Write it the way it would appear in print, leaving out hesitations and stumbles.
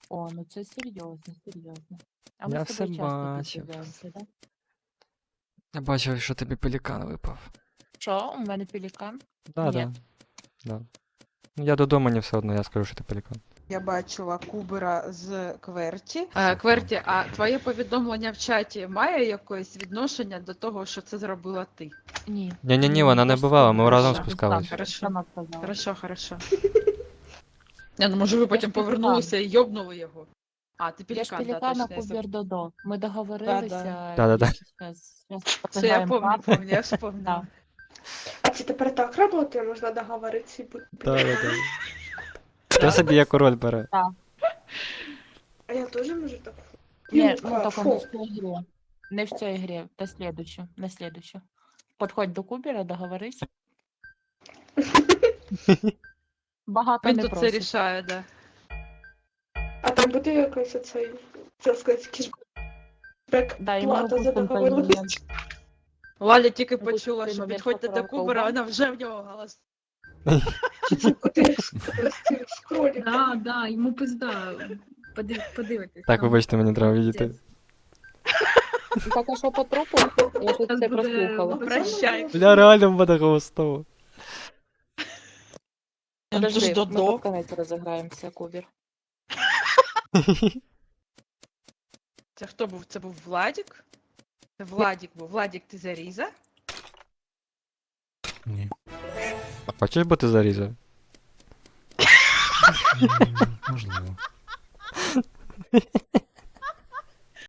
О, ну це серйозно, серйозно. А Я ми з все тобою часто бачив. підбиваємося, так? Я бачив, що тобі пелікан випав. Що, у мене пелікан? Да, Ні. да. Да. Ну, я додому не все одно, я скажу, що ти пелікан. Я бачила Кубера з Кверті. Кверті, Кверті, а твоє повідомлення в чаті має якесь відношення до того, що це зробила ти? Ні. Ні, вона не бувала, ми разом Хорошо. спускались. Хорошо. Сама сказала. Хорошо. Я, ну, може, ви потім ж пелікан. повернулися і йобнули його. А, ти Я ж пелікан, да, пелікана точно. Кубер Додо. Ми договорилися. Да-да-да. Щас Все, я розіграємо помню, я вспомнила. Да. А це тепер так працює, можна договоритися і бути. Да. Хто собі яку роль бере? А я теж можу так. Ні, Юлька, ну тільки не в фу. цій грі. Не в цій грі, на слідущу. Подходь до Кубера, договорись. Багато Він не тут це просить. рішає, да. А там буде якийсь оцей, це сказати, кішбек Да, і ми плата за опустимо договорились. Лаля тільки Ну, тут почула, ти, що мабуть, підходьте до поправка Кубера, угла. вона вже в нього голос. Ти з кроликом. Да, йому пизда. Подивитись. Так, там. вибачте, мені треба відійти. Так, а що по трупу? Я щось Зараз це буде прослухала. Прощай. Бля, реально буде голосово. Подожди, Додо. ми під конець розіграємося, Кубер. Це хто був? Це був Владік? Це Владік був. Владік, ти заріза? Ні. Хочеш бути зарізав? Можливо.